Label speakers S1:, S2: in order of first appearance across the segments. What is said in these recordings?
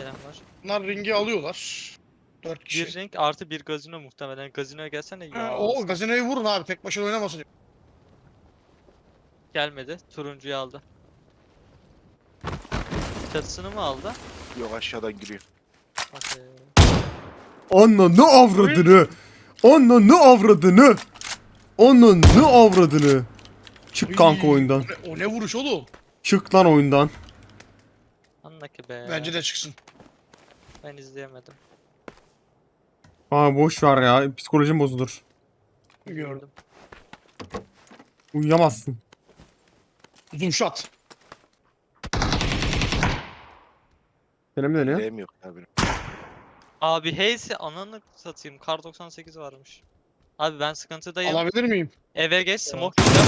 S1: gelen var.
S2: Bunlar ringi alıyorlar. 4 kişi.
S1: Bir ring artı bir gazino muhtemelen. Gazinoya gelsene ya.
S2: O gazinoyu vurun abi. Tek başına oynamasın.
S1: Gelmedi. Turuncuyu aldı. Çatısını mı aldı?
S3: Yok aşağıdan giriyor.
S1: Okey.
S4: Ananı avradını. Ananı avradını. Ananı avradını. Çık kanka oyundan.
S2: O ne vuruş oğlum?
S4: Çık lan oyundan.
S1: Anla ki be.
S2: Bence de çıksın.
S1: Ben izleyemedim.
S4: Aa boş ver ya. Psikolojim bozulur.
S2: Gördüm.
S4: Uyuyamazsın.
S2: Zoom shot.
S4: Seni mi deniyor?
S3: Değim yok ya benim.
S1: Abi Hayes'i ananı satayım. Kar 98 varmış. Abi ben sıkıntıdayım.
S2: Alabilir miyim?
S1: Eve geç smoke yiyeceğim.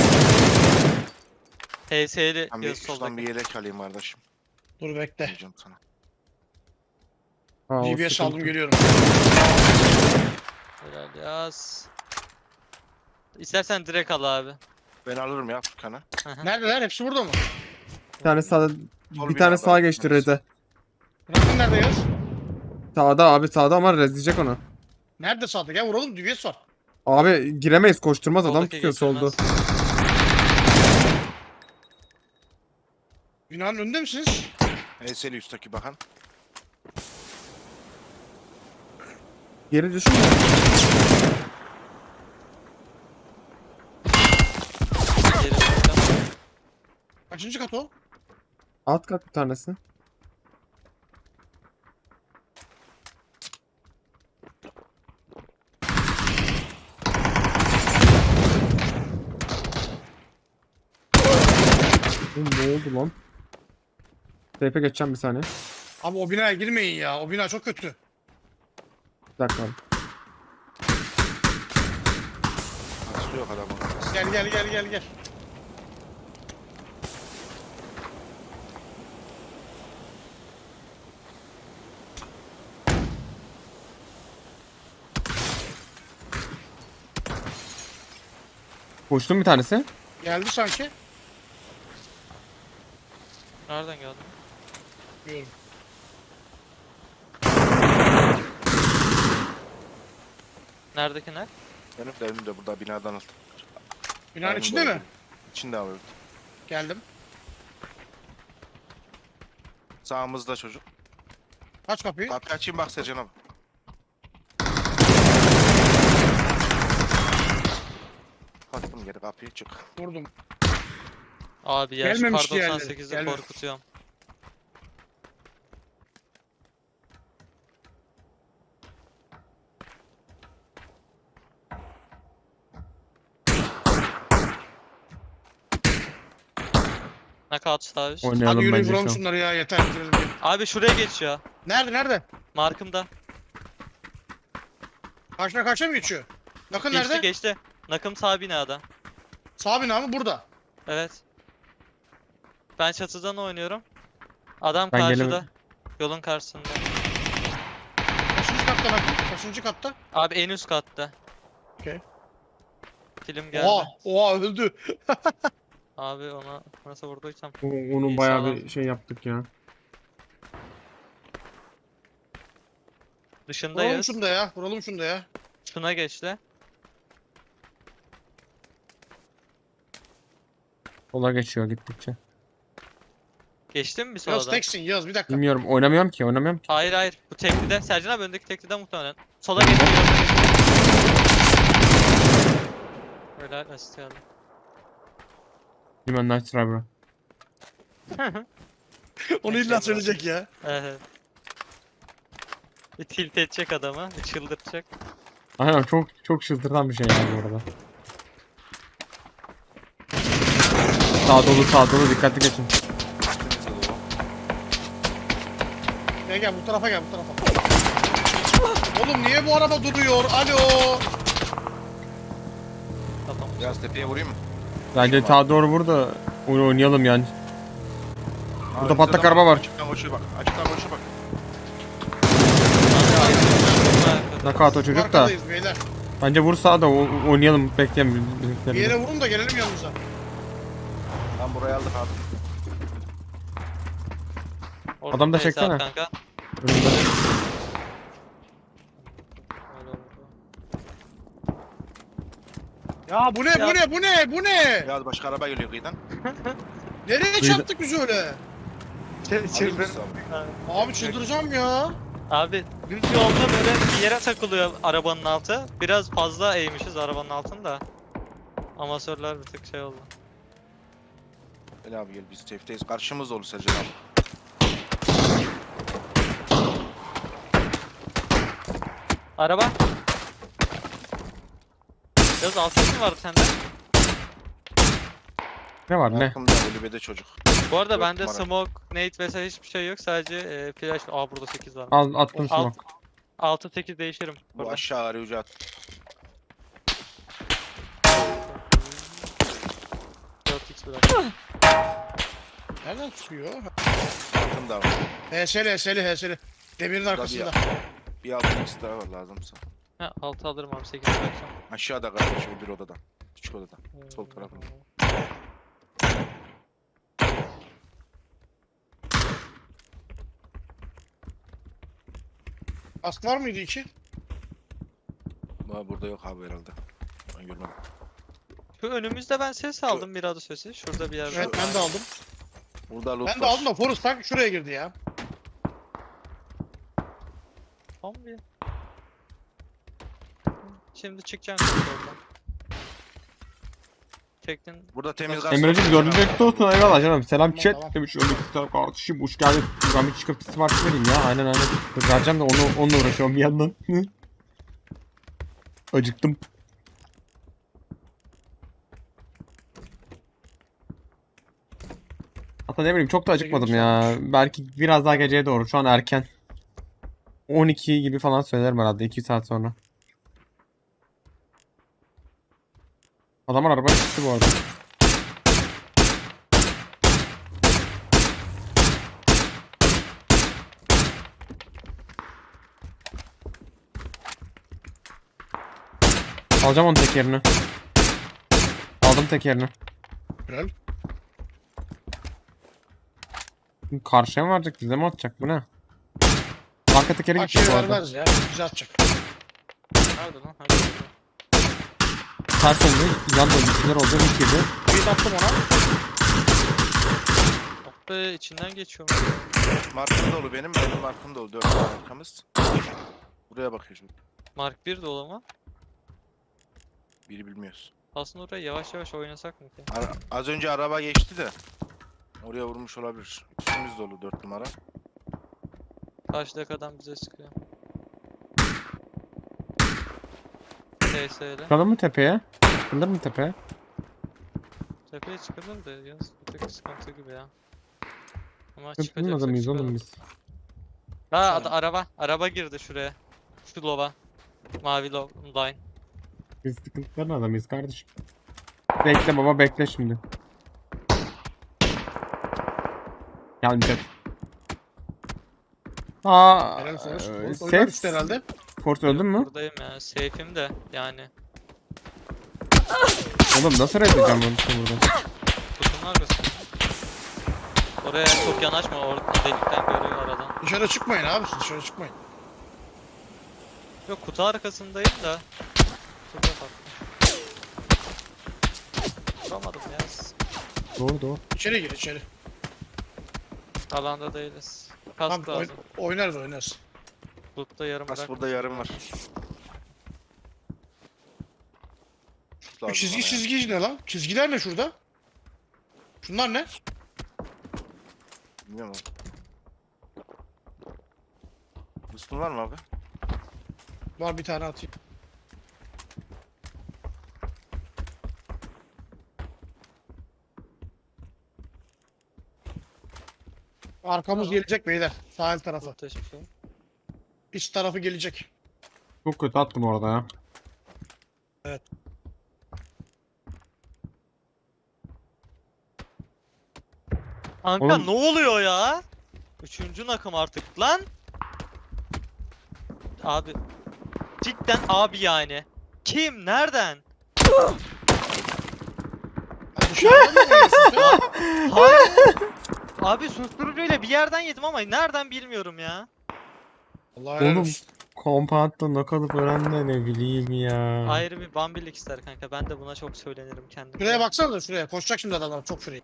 S1: HS'li
S3: Ben bir
S1: yaz
S3: şuradan
S1: soldaki.
S3: bir yelek alayım kardeşim.
S2: Dur bekle.
S3: Diyeceğim sana.
S4: Ha, o
S2: GPS
S4: sıkıntı.
S2: aldım geliyorum.
S1: Helal yaz. İstersen direkt al abi.
S3: Ben alırım ya Furkan'ı.
S2: Neredeler? Hepsi burada mı?
S4: Bir tane sağda,
S3: Sol
S4: bir
S3: binada
S4: tane sağa
S3: var,
S4: geçti
S3: bir tanesi.
S4: Red'e.
S2: Rakın nerede yaz?
S4: Sağda abi sağda ama rezleyecek onu.
S2: Nerede sağda? Gel vuralım. GPS var.
S4: Abi giremeyiz koşturmaz adam
S1: Soldaki
S4: tutuyor solda.
S1: geçilmez.
S2: Binanın önünde misiniz?
S3: Eseli üstteki bakan.
S4: Geri düşünme.
S1: Geri döneceğim.
S2: Kaçıncı kat o?
S4: Alt kat bir tanesi. Oğlum ne oldu lan? TP geçeceğim bir saniye.
S2: Abi o binaya girmeyin ya. O bina çok kötü.
S4: Bir dakika abi.
S3: Açılıyor adamı.
S2: Gel.
S4: Koştum bir tanesi.
S2: Geldi sanki.
S1: Nereden geldin?
S2: Bilmiyorum.
S1: Neredeki ne?
S3: Benim de önümde burada binadan al.
S2: Binanın
S3: Aynen
S2: içinde
S3: böyle.
S2: mi?
S3: İçinde abi.
S2: Geldim.
S3: Sağımızda çocuk.
S2: Aç kapıyı.
S3: Kapıyı açayım bak Sercan abi. Kattım geri kapıyı çık.
S2: Vurdum.
S1: Abi ya şu kar
S2: Gelmemiş diğerleri,
S1: 98'i
S2: gelmedi.
S1: korkutuyorum. Knockout sağ üst.
S2: Hadi
S4: Oynayalım
S2: yürüyün
S4: bence
S2: vuralım
S4: şu an.
S2: şunları ya. Yeter. bitirelim diye.
S1: Abi şuraya geçiyor.
S2: Nerede?
S1: Markımda.
S2: Karşına mı geçiyor? Bakın
S1: Geçti
S2: nerede?
S1: geçti. Nakım sağ binada.
S2: Sağ bina mı? Burada.
S1: Evet. Ben çatıdan oynuyorum. Adam
S4: Ben
S1: karşıda.
S4: gelemedim.
S1: Yolun karşısında.
S2: Kaçıncı katta bakın? Kaçıncı katta?
S1: Abi en üst katta.
S2: Okey.
S1: Film geldi.
S2: Oha öldü.
S1: Abi ona nasıl vurduysam.
S4: Onun
S1: İyi,
S4: bayağı
S1: sağlam.
S4: bir şey yaptık ya.
S2: Vuralım
S1: Dışındayız.
S2: şunu da ya. Vuralım şunu da ya.
S1: Şuna geçti.
S4: Sola geçiyor gittikçe.
S1: Geçtin mi bir
S2: Yaz
S1: solda?
S2: teksin Yaz bir dakika.
S4: Bilmiyorum oynamıyorum ki.
S1: Hayır hayır. Bu teklide. Sercan abi öndeki teklide muhtemelen. Sola geçiyor. Öyle asist geldi.
S4: Bilmem nice try bro.
S2: Onu illa söyleyecek ya.
S1: Evet. Bir tilt edecek adamı. Bir çıldırtacak.
S4: Aynen çok çıldırtan bir şey yani bu arada. Sağ dolu dikkatli geçin.
S3: Üstümüzde dolu.
S2: Gel bu tarafa gel bu tarafa. Oğlum niye bu araba duruyor? Alo.
S1: Tamam.
S3: Biraz tepeye vurayım mı?
S4: Bence sağa doğru vur da oyunu oynayalım yani. Burada
S3: Abi,
S4: patlak
S3: bizde
S4: araba
S3: adam
S4: var.
S3: Açıktan koşuyor bak. Açıktan koşuyor bak.
S4: Knockout o çocuk da.
S2: Arkadayız beyler.
S4: Bence vur sağa da oynayalım bekleyelim
S2: Bir
S4: bizimkileri.
S2: yere vurun da gelelim yanınıza.
S3: Tam burayı aldık abi.
S1: Orada
S4: Adam da
S1: neyse
S4: çeksene.
S1: Kanka.
S4: Önümde.
S1: Öyle oldu.
S2: Ya bu ne
S1: Ya-
S2: bu ne bu ne bu ne?
S3: Ya başka araba geliyor kıyıdan.
S2: Nereye
S4: Kıyıda-
S2: çarptık biz öyle?
S3: Alayım mısın abi?
S2: Abi çıldıracağım ya.
S1: Abi düz yolda böyle bir yere takılıyor arabanın altı. Biraz fazla eğmişiz arabanın altında. Amatörler bir tık şey oldu.
S3: Gel abi gel biz safe'teyiz. Karşımızda olur Sercan abi.
S1: Araba. Biraz alt ses mi vardı sende?
S4: Ne var ne?
S3: Arkamda kulübede çocuk.
S1: Bu arada
S3: Dört
S1: bende
S3: numara.
S1: smoke, nade vesaire hiçbir şey yok. Sadece flash. Aa burada 8 var.
S4: Al attım
S1: Alt-
S4: smoke.
S1: 6-8 değişirim.
S3: Bu
S1: Burada.
S3: aşağı arayıcı at.
S1: 4x bırak.
S2: Nereden çıkıyor?
S3: Altında var.
S2: HSL. Demirin arkasında.
S3: Bir altın ikisi daha var lazımsa.
S1: Ha 6 alırım abi 8 bıraksam.
S3: Aşağıda kardeşim bir odada. Küçük odada. Sol tarafında.
S2: Kask var mıydı iki?
S3: Burada yok abi herhalde. Ben görmedim.
S1: Şu önümüzde ben ses aldım bir adı sesi. Şurada bir yerde.
S2: Evet ben de aldım.
S3: Burada loot
S2: Ben de
S3: var.
S2: aldım da Forrest tak şuraya girdi ya.
S1: Tam bir. Şimdi çıkacaksın oradan. Çektin.
S3: Burada temiz gaz.
S4: Emre'cim görünecekte olsun eyvallah canım. Selam
S2: Tamam,
S4: chat
S2: tamam.
S4: demiş. Öyle güzel kardeşim hoş geldin. Ben bir çıkıp sipariş vereyim ya. Aynen. Vereceğim de onunla uğraşıyorum bir yandan. Acıktım. Hatta ne bileyim çok da acıkmadım ya. Belki biraz daha geceye doğru. Şu an erken. 12 gibi falan söylerim herhalde 2 saat sonra. Adamlar arabaya çıktı bu arada. Alacağım onun tekerini. Aldım tekerini.
S2: Güzel.
S4: Karşıya mı verecek? Bize mi atacak? Bu ne? Arka tekeri gitti
S2: Akşeyi
S4: bu arada.
S2: vermez ya. Bize atacak.
S1: Nerede lan? Hadi.
S4: Ters döndü. Yan döndü. Bir şeyler oldu. Bir girdi.
S2: Bir attım ona.
S1: Oh be içinden geçiyorum.
S3: Markım dolu benim markım dolu. 4 tane arkamız. Buraya bakıyor şimdi.
S1: Mark 1 dolu mu?
S3: Biri bilmiyoruz.
S1: Aslında oraya yavaş yavaş oynasak mı ki?
S3: Az önce araba geçti de. Oraya vurmuş olabilir. Üstümüz dolu 4 numara.
S1: Karşıdaki adam bize sıkıyor. TS'yle.
S4: Çıkalım mı tepeye? Çıkılır mı tepeye?
S1: Tepeye çıkalım da yalnız bir tık sıkıntı gibi ya. Ama
S4: Çıkılın
S1: çıkacaksak
S4: adamıyız oğlum
S1: çıkalım.
S4: biz.
S1: Ha araba. Araba girdi şuraya. Şu lova. Mavi line.
S4: Biz sıkıntıların adamıyız kardeşim. Bekle baba bekle şimdi. Gelmeyecek. Aa,
S2: Helal Forrest. Forrest
S4: safe.
S2: oynar üstü herhalde.
S4: Forrest öldün mü?
S1: Buradayım ya. Safe'im de yani.
S4: Oğlum nasıl reddedeceğim bunu işte burada?
S1: Kutunun arkasında. Oraya çok yanaşma. Orada delikten görüyor aradan.
S2: Dışarı çıkmayın abi siz dışarı çıkmayın.
S1: Yok kutu arkasındayım da. Kutuda baktım. Vuramadım ya.
S4: Doğru doğru.
S2: İçeri gir içeri.
S1: Alanda değiliz.
S2: Tamam
S1: Kask lazım.
S2: oynarız.
S1: Loot'ta yarım
S3: Kas
S1: bırak.
S3: burada yarım var.
S2: Bu
S3: Lazım
S2: çizgi
S3: bana ya.
S2: çizgi ne lan? Çizgiler ne şurada? Şunlar ne?
S3: Bilmiyorum abi. Boost'un var mı abi?
S2: Var bir tane atayım. Arkamız
S1: Tamam.
S2: gelecek beyler. Sahil tarafı.
S1: Loot'ta hiçbir şey yok.
S2: İç tarafı gelecek.
S4: Çok kötü attım orada ya.
S1: Kanka
S4: Oğlum-
S1: ne oluyor ya? Üçüncü nakım artık lan. Abi. Cidden abi yani. Kim? Nereden?
S2: Ha, dışarıda mı oynuyorsun sen?
S1: Hayır. Abi susturucuyla bir yerden yedim ama nereden bilmiyorum ya.
S2: Allah helal
S4: Oğlum
S2: olsun.
S4: kompatta knockout öğren de ne bileyim ya.
S1: Ayrı bir bambilik ister kanka. Ben de buna çok söylenirim kendimce.
S2: Şuraya baksana da şuraya. Koşacak şimdi adamlar çok free.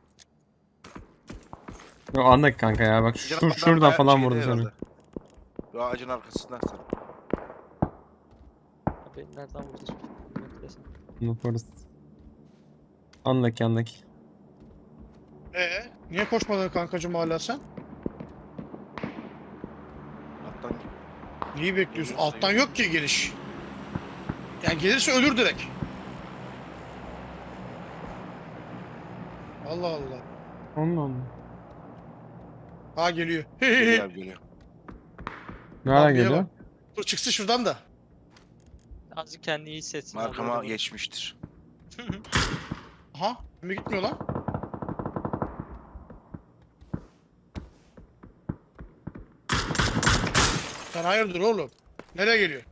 S4: Yo, anla kanka ya bak
S3: Bizim adam
S4: şuradan
S3: bayağı
S4: falan
S3: şeyde
S4: vurdu seni.
S3: herhalde. Şu ağacın arkasından sen.
S1: Beni nereden vurdu? Beklesin.
S4: Yaparız. Anla ki.
S2: Niye koşmadın kankacım hala sen?
S3: Alttan
S2: Neyi bekliyorsun?
S3: Gelirse
S2: Alttan yok ki geliş. Yani gelirse ölür direkt. Allah Allah.
S4: Allah Allah.
S2: Ha geliyor.
S3: geliyor abi geliyor.
S4: Nereden
S2: Bambi'ye
S4: geliyor?
S2: bak. Dur çıksın şuradan da.
S1: Azıcık kendini iyi hissetsin. abi,
S3: Markama
S1: orada.
S3: geçmiştir.
S2: Aha. Mi gitmiyor lan? Sen hayırdır oğlum? Nereye geliyor?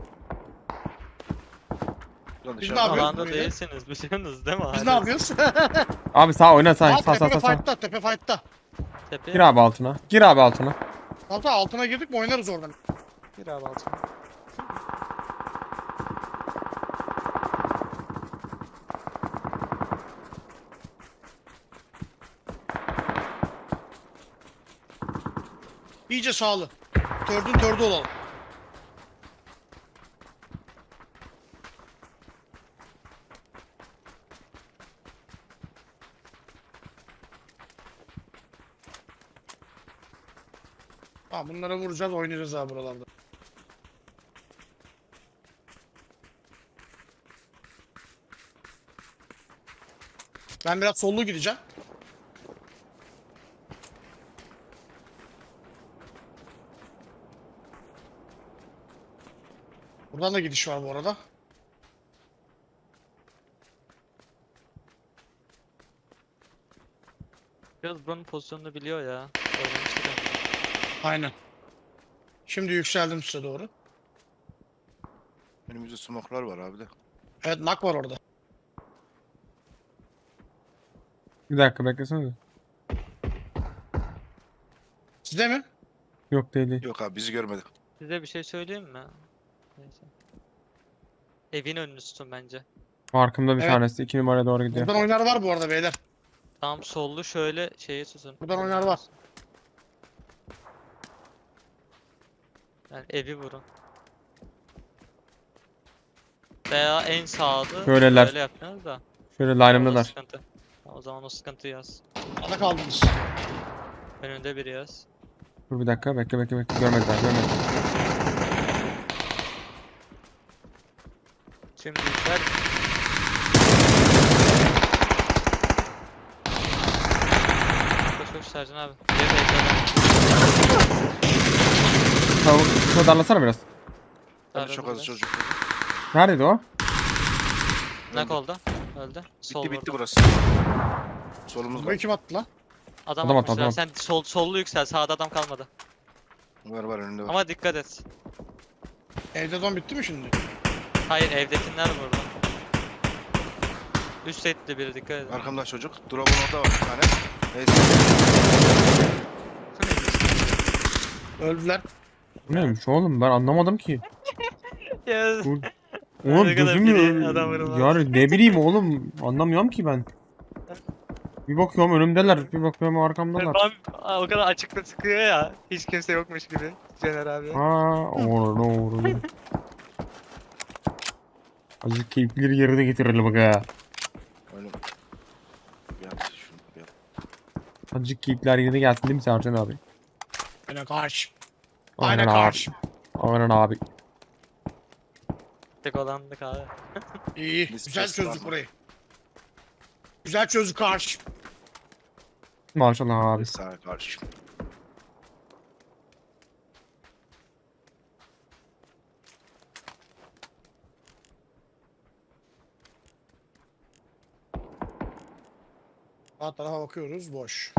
S3: Buradan
S2: Biz
S3: dışarı
S2: ne yapıyoruz?
S1: Alanda
S2: böyle?
S1: değilsiniz. Biliyorsunuz değil mi?
S2: Biz
S1: Hala
S2: ne yapıyoruz?
S4: Abi sağ oyna sen.
S2: Aa,
S4: Sağ sağ
S2: tepe
S4: sağ sağ.
S2: fight'ta, tepe fight'ta.
S1: Tepeye
S4: Gir abi altına. Gir abi altına.
S2: Hatta altına girdik mi oynarız oradan.
S1: gir abi altına.
S2: İyice sağlı. Tördün tördü olalım. Tamam bunlara vuracağız oynayacağız abi buralarda. Ben biraz sollu gideceğim. Buradan da gidiş var bu arada.
S1: Biraz buranın pozisyonunu biliyor ya. Oynamıştık ya.
S2: Aynen. Şimdi yükseldim size doğru.
S3: Önümüzde smoklar var abi de.
S2: Evet nak var orada.
S4: Bir dakika beklesene.
S2: Sizde mi?
S4: Yok değil değil.
S3: Yok abi bizi görmedi.
S1: Size bir şey söyleyeyim mi? Neyse. Evin önünü tutun bence.
S4: Arkamda bir
S2: Evet.
S4: tanesi 2 numaraya doğru gidiyor.
S2: Buradan oynar var bu arada beyler.
S1: Tam sollu şöyle şeyi tutun.
S2: Buradan oynar var.
S1: Yani evi vurun. Veya en sağda
S4: Şöyleler.
S1: böyle yapıyorsunuz da.
S4: Şöyle
S1: O
S4: line'ımdalar.
S1: sıkıntı. O zaman o sıkıntı yaz.
S2: Ana kaldınız.
S1: Önünde biri yaz.
S4: Dur bir dakika bekle. Görmediler.
S1: Şimdi yükler. Koş Sercan abi. Geri bekle.
S4: Şunu darlasana biraz.
S3: Ben de çok az çocuk.
S4: Neredeydi o?
S1: Nak oldu. Öldü. Sol
S3: Bitti
S1: vurdu.
S3: burası. Solumuz
S2: Bu
S3: var.
S2: kim attı lan?
S1: Adam
S4: Adam attı,
S1: atmışlar.
S4: adam
S1: Sen sollu yüksel. Sağda adam kalmadı.
S3: Var önünde var.
S1: Ama dikkat et.
S2: Evde don bitti mi şimdi?
S1: Hayır evdekiler vurdu. Üst setli biri dikkat edin.
S3: Arkamda çocuk. Drop'un orada var bir tane. Neyse.
S2: Öldüler.
S4: Bu neymiş oğlum ben anlamadım ki.
S1: Ya,
S4: Bu... Oğlum
S1: Ne kadar
S4: gözüm
S1: biri adam vurmaz.
S4: yani ne bileyim oğlum anlamıyorum ki ben. Bir bakıyorum önümdeler, bir bakıyorum arkamdalar.
S1: o kadar açıkta sıkıyor ya. Hiç kimse yokmuş gibi. Caner abi.
S4: Doğru. Azıcık keyifleri yerine getirelim bak ha.
S3: Öyle. Bir at şunu bir at.
S4: Azıcık keyifler yerine gelsin değil mi Sercan abi?
S2: Aynen karşı.
S4: Aynen
S2: Aynen
S4: abi.
S2: karşı.
S4: Aynen abi.
S1: Tek olandık abi.
S2: İyi.
S3: Biz
S2: Güzel
S3: pes
S2: çözdük
S3: var.
S2: burayı. Güzel çözdük karşı.
S4: Maşallah abi.
S3: Sağa karşı.
S2: Sağ tarafa bakıyoruz boş.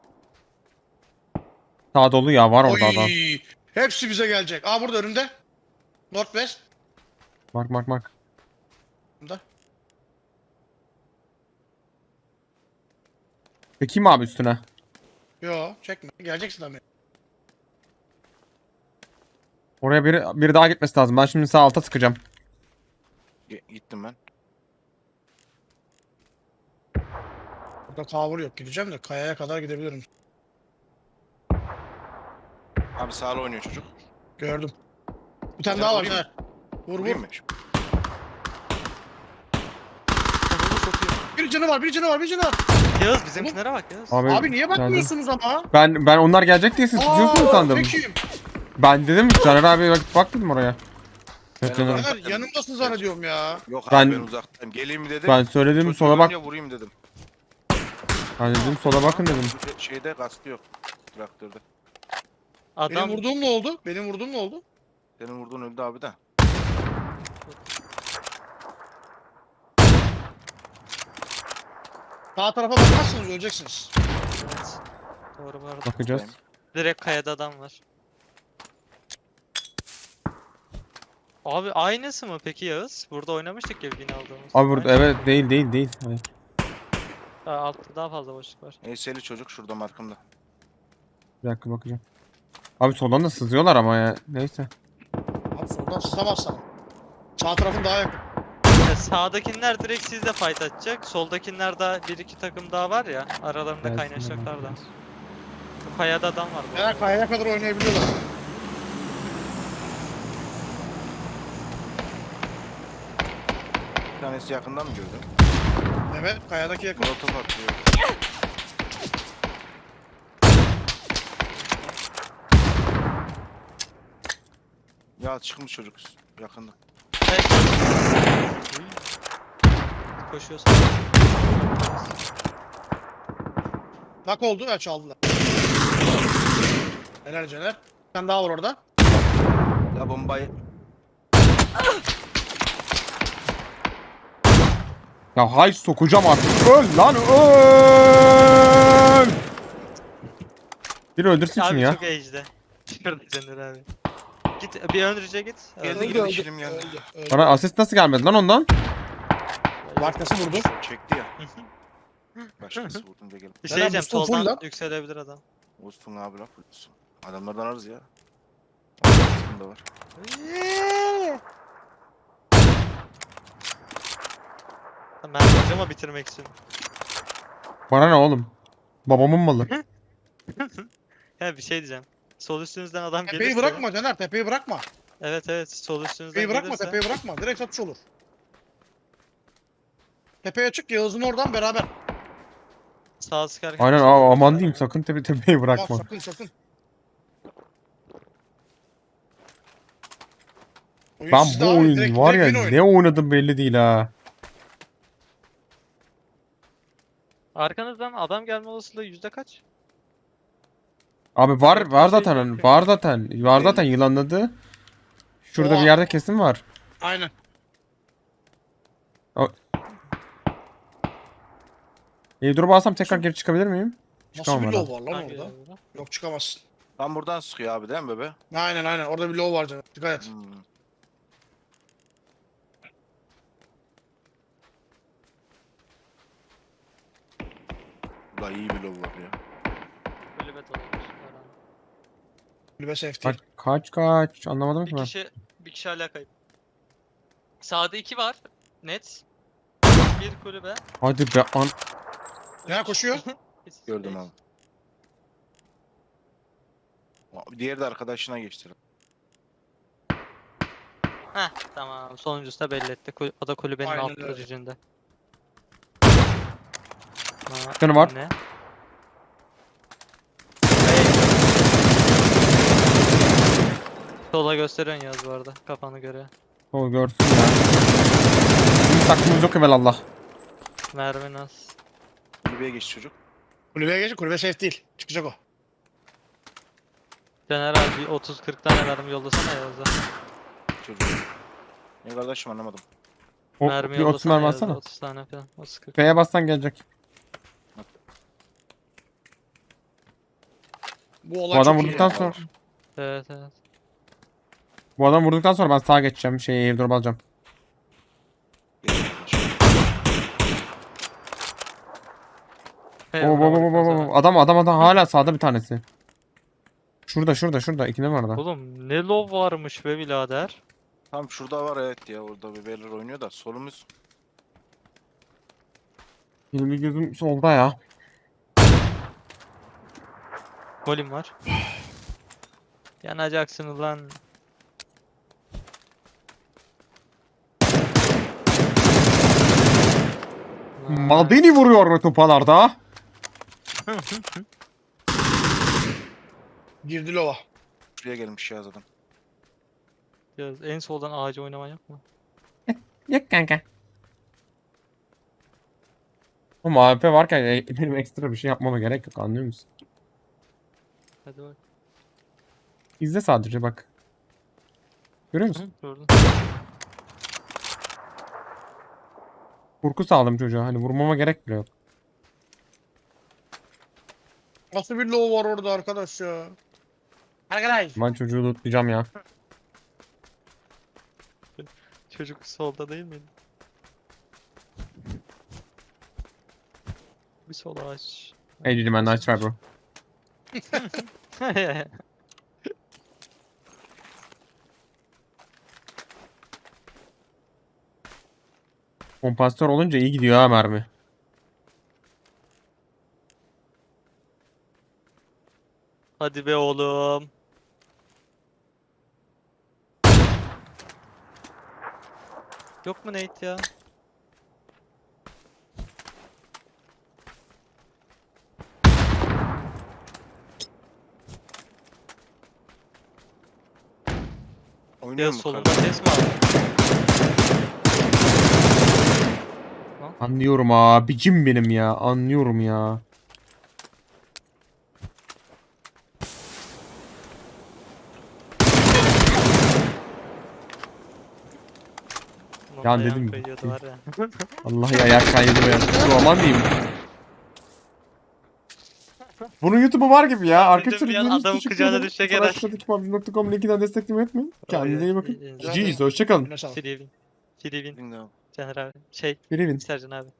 S4: Sağ dolu ya var orada
S2: Oy.
S4: adam.
S2: Hepsi bize gelecek. Aa burada önümde. Northwest.
S4: Mark.
S2: Burada.
S4: Çekeyim mi abi üstüne?
S2: Yo çekme. Geleceksin abi.
S4: Oraya biri daha gitmesi lazım. Ben şimdi sağ alta sıkacağım.
S3: Gittim ben.
S2: Burada cover yok. Gideceğim de kayaya kadar gidebilirim.
S3: Abi sağla oynuyor çocuk.
S2: Gördüm. Bir tane daha var
S3: Vurayım mı?
S2: Caner. Vur vur.
S3: Vurayım mı?
S1: Ananı satayım.
S2: Bir canı var, bir canı var, bir canı var.
S1: Yağız bizimkilere bak Yağız.
S2: Abi niye
S4: geldim.
S2: bakmıyorsunuz ama?
S4: Ben onlar gelecek diye siz tutuyorsunuz sandım.
S2: Peki.
S4: Ben dedim Caner abi bak dedim oraya. Evet,
S3: Ben
S4: Caner.
S3: oraya-
S2: Caner yanımdasın zannediyorum ya.
S3: Yok
S4: Ben-
S3: abi ben uzaktayım. Geleyim mi dedim.
S4: Ben söyledim
S3: Çocuğu
S4: sola bak.
S3: görünce vurayım dedim.
S4: Ben dedim sola bakın dedim.
S3: Şeyde kaskı yok. Traktörde.
S1: Adam
S2: Benim vurduğum ne oldu? Benim vurduğum ne oldu?
S3: Senin vurduğun öldü abi de.
S2: Sağ tarafa bakmazsanız öleceksiniz.
S1: evet. Doğru bu arada.
S4: Bakacağız.
S1: Direkt kayada adam var. Abi aynısı mı peki Yağız? Burada oynamıştık ya bin aldığımız.
S4: Abi burada
S1: Aynı.
S4: evet değil. Hayır.
S1: Altta daha fazla boşluk var.
S3: Eyseli çocuk şurada markımda.
S4: Bir dakika bakacağım. Abi soldan da sızıyorlar ama ya. Neyse.
S2: Abi soldan sızamazsan. Sağ tarafın daha yakın.
S1: Ya sağdakiler direkt sizle fight atacak. Soldakiler daha bir iki takım daha var ya. Aralarında
S4: Gelsinler
S1: kaynaşacaklar da.
S4: bakacağız.
S1: Bu kayada adam var bu
S2: Caner
S1: arada.
S2: kayaya kadar oynayabiliyorlar.
S3: Bir tanesi yakından mı gördün?
S2: Evet kayadaki yakın.
S3: Molotof atıyor. Ya çıkmış çocuk yakında.
S1: Evet. Koşuyorsun.
S2: Bak oldu ya çaldılar. Helal Caner. Bir tane daha var orada.
S3: Ya bombayı
S4: Ya hay sokacağım artık. Öl lan öl. Biri öldürsün şunu
S1: Abi
S4: ya.
S1: çok age'de. Şurada Caner abi. Git bir öndürüce git.
S3: geldi geldi şirim geldi.
S2: Öldü.
S4: Bana asist nasıl gelmedi lan ondan?
S2: Başkası vurdu.
S3: Çekti ya. Başkası vurdum diye gelip.
S1: Bir şey
S2: Caner,
S1: diyeceğim
S2: Mustafa full
S1: soldan
S2: lan.
S1: yükselebilir adam.
S3: Olsun abi la olsun. Adamlardan ararız ya. Aslında var.
S1: Ben hocama bitirmek istiyorum.
S4: Bana ne oğlum? Babamın malı.
S1: Ya bir şey diyeceğim. Sol üstünüzden adam
S2: Tepeyi
S1: gelirse.
S2: bırakma Caner tepeyi bırakma.
S1: Evet sol üstünüzden
S2: Tepeyi bırakma
S1: gelirse.
S2: tepeyi bırakma. Direkt satış olur. Tepeye çık Yağız'ın oradan beraber.
S1: Sağ sıkarken.
S4: Aynen aman diyeyim sakın tepeyi bırakma.
S2: Bak sakın sakın. Oyun
S4: Ben
S2: sizde
S4: bu
S2: abi,
S4: oyun
S2: direkt-
S4: var
S2: direkt
S4: ya
S2: win oyunu.
S4: ne oynadım belli değil ha.
S1: Arkanızdan adam gelme olasılığı yüzde kaç?
S4: Abi var zaten var zaten yılanladı. Şurada
S2: Oha.
S4: bir yerde kesin var.
S2: Aynen.
S4: Dur alsam tekrar geri çıkabilir miyim?
S2: Nasıl
S4: Çıkamam
S2: bir
S4: herhalde.
S2: low var lan
S1: Hangi
S2: orada?
S1: yolda?
S2: Yok çıkamazsın.
S3: Tam buradan sıkıyor abi değil mi bebe?
S2: Aynen orada bir low var canım. Dikkat et.
S3: Hmm. Ulan iyi bir lob var ya.
S1: Kulübet olmuş herhalde.
S2: Kulübe safety.
S4: Kaç anlamadım ki
S1: Bir
S4: ben.
S1: kişi hala kayıp. Sağda 2 var. Net. Bir kulübe.
S4: Hadi be an.
S2: Ya koşuyor.
S3: Gördüm abi. Diğeri de arkadaşına geçti.
S1: Heh tamam. Sonuncusu da belli etti. O da kulübenin
S2: Aynen
S1: alt
S2: öyle.
S1: bölücünde.
S4: Canı var.
S1: Ne? Sola gösteriyorsun Yaz bu arada. Kafanı göre.
S4: O görsün ya. Bizim saklımız yok evvelallah.
S1: Mermi az.
S3: Kulübeye geçti çocuk.
S2: Kulübeye geç. Kulübe safe değil. Çıkacak o.
S1: Caner abi 30-40 tane mermi yollasana Yaz'a.
S3: Çocuk. Ne kardeşim anlamadım.
S1: Mermi
S4: Bir 30 mermi
S1: Yaz'a,
S4: atsana.
S1: 30 tane falan. 30-40.
S4: F'ye bassan gelecek.
S2: Bu olay
S4: Bu adam
S2: çok iyi
S4: vurduktan
S2: ya.
S4: sonra.
S1: Evet.
S4: Bu adam vurduktan sonra ben sağa geçeceğim. Airdrop alacağım.
S1: Hey,
S4: Oo,
S1: bravo, bravo.
S4: Adam hala sağda bir tanesi. Şurada. İkinde var da.
S1: Oğlum ne low varmış be birader.
S3: Tam şurada var evet ya. Orada bir beyler oynuyor da solumuz.
S4: Benim bir gözüm solda ya.
S1: Molim var. Yanacaksın ulan.
S4: Beni vuruyor ve topalarda.
S2: Girdi lova.
S3: Şuraya gelmiş ya zaten.
S1: Ya en soldan ağacı oynaman yok mu?
S4: Yok kanka. Ama AWP varken benim ekstra bir şey yapmama gerek yok, anlıyor musun?
S1: Hadi bak.
S4: İzle sadece bak. Görüyor musun?
S1: Hı, gördüm.
S4: Korku sağladım çocuğa. Hani vurmama gerek bile yok.
S2: Nasıl bir lova var orada arkadaş ya? Arkadaş.
S4: Ben çocuğu lootlayacağım ya.
S1: Çocuk solda değil miydi? Bir sol ağaç.
S4: Hey Cici man, nice try bro. Kompansatör olunca iyi gidiyor ha mermi.
S1: Hadi be oğlum. Yok mu Nate ya?
S3: Oynuyor
S1: Ya
S3: mu
S1: solunda
S3: yukarıda?
S1: ses mi aldın?
S4: Anlıyorum abicim benim ya. Anlıyorum ya.
S1: Ulan
S4: Ya
S1: ayağım
S4: dedim,
S1: kayıyordu var ya.
S4: Vallahi ayak kaydı be. Dur aman diyeyim. Bunun YouTube'u var gibi ya. Arkadaşlar
S1: bir an
S4: izlediğiniz için
S1: adamın
S4: teşekkür
S1: kucağına
S4: ederim.
S1: düşecek
S4: Sonra
S1: herhalde.
S4: aşağıdaki PUBG.com'un linkinden desteklemeyi unutmayın. Kendinize iyi bakın.
S1: İyi- iyi-
S2: Güzel
S4: GG's
S2: ya.
S4: hoşçakalın.
S2: Eline sağlık.
S1: Free win. Free win.
S3: Bilmiyorum.
S1: Caner abi. Şey,
S4: Birivin.
S1: Sercan abi.